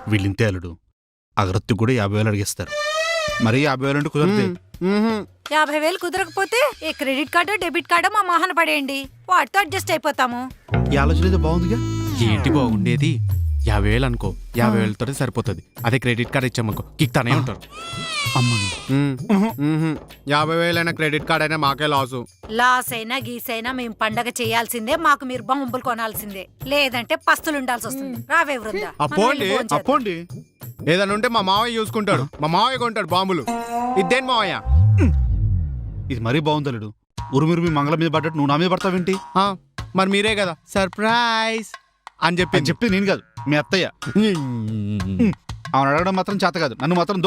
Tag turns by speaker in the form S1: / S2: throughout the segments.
S1: వీళ్ళింతే అల్లుడు. అగరత్తి కూడా 50,000 అడిగేస్తారు. మరి 50,000 అంటే కుదరదే.
S2: 50,000 కుదరకపోతే ఈ క్రెడిట్ కార్డు డెబిట్ కార్డు మా మోహన పడేయండి, వాటితో అడ్జస్ట్ అయిపోతాము.
S1: ఈ ఆలోచన అయితే బాగుందిగా.
S3: ఏంటి బాగుండేది? 50,000 అనుకో, 50,000 సరిపోతుంది. అదే క్రెడిట్ కార్డ్ ఇచ్చామనుకో కిక్తానే ఉంటారు.
S4: 50,000 అయినా క్రెడిట్ కార్డ్ అయినా మాకే లాసు.
S2: లాస్ అయినా గీసైనా మేము పండగ చేయాల్సిందే, మాకు మీరు బొమ్మలు కొనాల్సిందే, లేదంటే పస్తులు ఉండాల్సి వస్తుంది. రావే వృందా,
S4: అప్పోండి
S1: అప్పోండి.
S4: ఏదైనా ఉంటే మా మావయ్య చూసుకుంటాడు. మా మావయ్య కొంటాడు బాంబులు. ఇదేం మావయ్య?
S1: ఇది మరీ బాగుంది అల్లుడు. ఉరుమురుమి మంగళ మీద పడ్డట్టు నువ్వు నా మీద పడతావేంటి?
S4: మరి మీరే కదా సర్ప్రైజ్ అని
S1: చెప్పి నేను కాదు, మీ అత్తయ్య. ఆమెను అడగడం మాత్రం చేత కాదు, నన్ను మాత్రం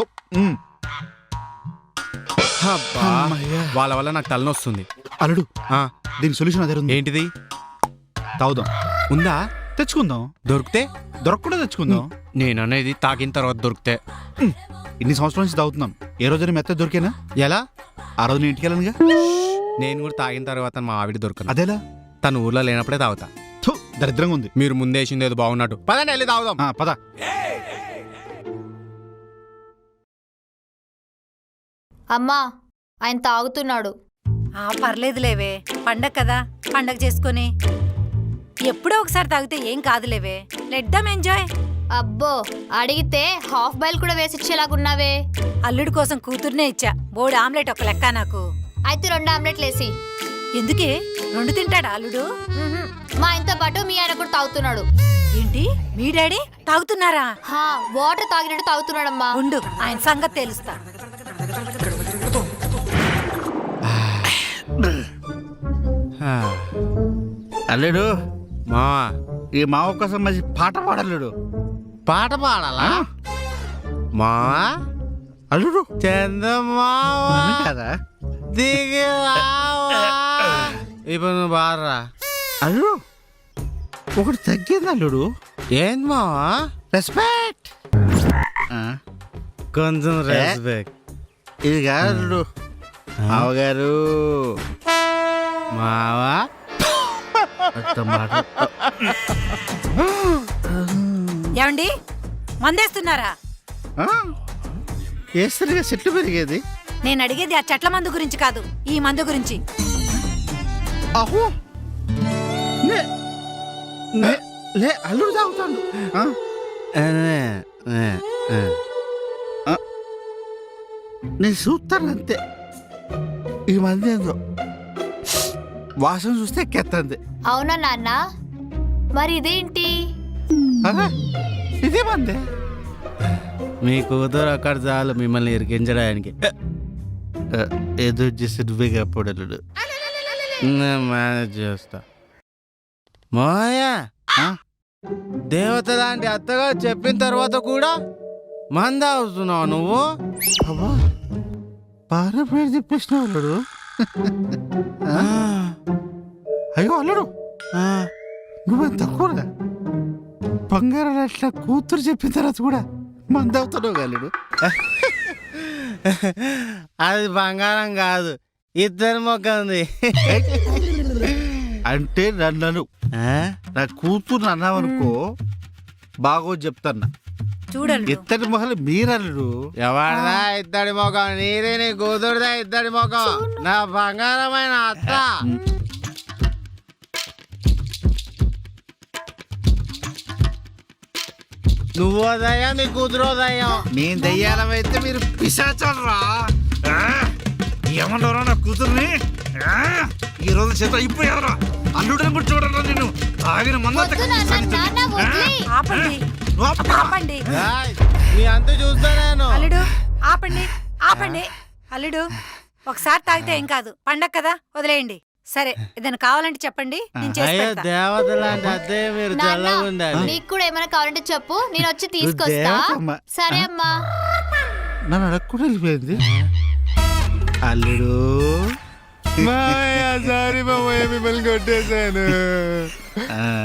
S4: వాళ్ళ వల్ల నాకు తలనొస్తుంది.
S1: అల్లుడు దీని సొల్యూషన్ అదే ఉంది.
S4: ఏంటిది?
S1: తాగుదాం.
S4: ఉందా?
S1: తెచ్చుకుందాం.
S4: దొరికితే
S1: దొరకకుండా తెచ్చుకుందాం.
S4: నేను అనేది తాగిన తర్వాత దొరికితే.
S1: ఇన్ని సంవత్సరాల నుంచి తాగుతున్నాం, ఏ రోజైనా మెత్త దొరికేనా?
S4: ఎలా?
S1: ఆ రోజు నేను ఇంటికి వెళ్ళనుగా.
S4: నేను కూడా తాగిన తర్వాత మా ఆవిడ దొరకను.
S1: అదేలా?
S4: తను ఊర్లో లేనప్పుడే తాగుతా.
S1: దరిద్రంగా ఉంది.
S4: మీరు ముందేసింది ఏదో బాగున్నట్టు. పదండి వెళ్ళి తాగుదాం.
S1: పద.
S5: అమ్మా, ఆయన తాగుతున్నాడు.
S2: పర్లేదులేవే, పండగ కదా, పండగ చేసుకుని ఎప్పుడో ఒకసారి తాగితే ఏం కాదులేవే. Let them enjoy.
S5: అబ్బో, అడిగితే హాఫ్ బాయిల్ కూడా వేసిచ్చేలాగున్నావే.
S2: అల్లుడి కోసం కూతుర్నే ఇచ్చా, బోర్డు ఆమ్లెట్ ఒక లెక్క నాకు.
S5: అయితే 2 ఆమ్లెట్లు వేసి.
S2: ఎందుకే? 2 తింటాడా అల్లుడు?
S5: మా ఆయనతో పాటు మీ ఆయన కూడా తాగుతున్నాడు.
S2: ఏంటి, మీ డాడీ తాగుతున్నారా?
S5: వాటర్ తాగినట్టు తాగుతున్నాడమ్మా.
S2: ఉండు, ఆయన సంగతి తెలుస్తా.
S1: అల్లుడు,
S4: మా
S1: ఈ మావ కోసం మంచి పాట పాడల్లుడు.
S4: పాట పాడాలా? మా
S1: అల్లుడు
S4: చందమావా
S1: కదా
S4: దిగి రావా. ఇప్పుడు నువ్వు బాడరా.
S1: అల్లుడు ఒకటి తగ్గింది అల్లుడు.
S4: ఏంది మావా?
S1: రెస్పెక్ట్.
S4: కొంచెం రెస్పెక్ట్.
S1: ఇది కాదు అల్లుడు. మావగారు
S4: మావా
S2: ఏమండి, మందేస్తున్నారా?
S1: వేస్తేనే చెట్లు పెరిగేది.
S2: నేను అడిగేది ఆ చెట్ల మందు గురించి కాదు, ఈ మందు గురించి.
S1: అహో లే అల్లుడు తాగుతాడు. నేను చూస్తాను అంతే. ఈ మంది ఏందో వాసన చూస్తే ఎక్కేస్తుంది.
S5: అవునా నాన్న? మరి ఇదేంటి?
S1: ఇదే మంది.
S4: మీ కూతురు అక్కడ చాలు మిమ్మల్ని ఇరికించడానికి.
S1: ఏదో చేసి నువ్వే కాపాడలుడు.
S4: మేనేజ్ చేస్తా. మాయా, దేవత లాంటి అత్తగా చెప్పిన తర్వాత కూడా మంద అవుతున్నావు నువ్వు.
S1: అబ్బా, బాగా పేరు చెప్పేసినావు అల్లుడు. అయ్యో అల్లుడు, నువ్వేం తక్కువగా బంగారం అట్లా కూతురు చెప్పిన తర్వాత కూడా మంద అవుతున్నావు అల్లుడు.
S4: అది బంగారం కాదు, ఇద్దరు మొక్క ఉంది.
S1: అంటే నన్ను నా కూతురు అన్నావనుకో బాగో చెప్తాన్నా.
S2: చూడండి,
S1: ఇద్దరి మొహలు మీరల్లుడు.
S4: ఎవరిదా ఇద్దడి మొఖం? నీదే, నీ కూతురుదా ఇద్దడి మొఖం. నా బంగారమైన అత్త. నువ్వో దయ్యం, నీ కూతురో దయ్యం.
S1: నేను దయ్యాలమైతే మీరు పిశాచరా. ఏమన్నారా నా కూతుర్ని? ఈ రోజు చేత అయిపోయారా అల్లుడని కూడా చూడరా. నేను తాగిన
S2: ఆపండి.
S4: నీ అంత చూస్తా నేను.
S2: అల్లుడు ఆపండి, ఆపండి. అల్లుడు ఒకసారి తాగితే ఏం కాదు, పండగ కదా, వదిలేయండి. సరే, ఏదైనా కావాలంటే చెప్పండి, నేను చేసి పెడతా.
S4: దేవత లాంటి అదే మీరు చల్లగా ఉండాలి.
S5: నీకు కూడా ఏమైనా కావాలంటే చెప్పు, నేను వచ్చి తీసుకొస్తా. సరే అమ్మా.
S1: నన్ను అడగకుండా వెళ్ళిపోయింది అల్లుడు.
S4: సారీ మామయ్య, మిమ్మల్ని కొట్టేశాను.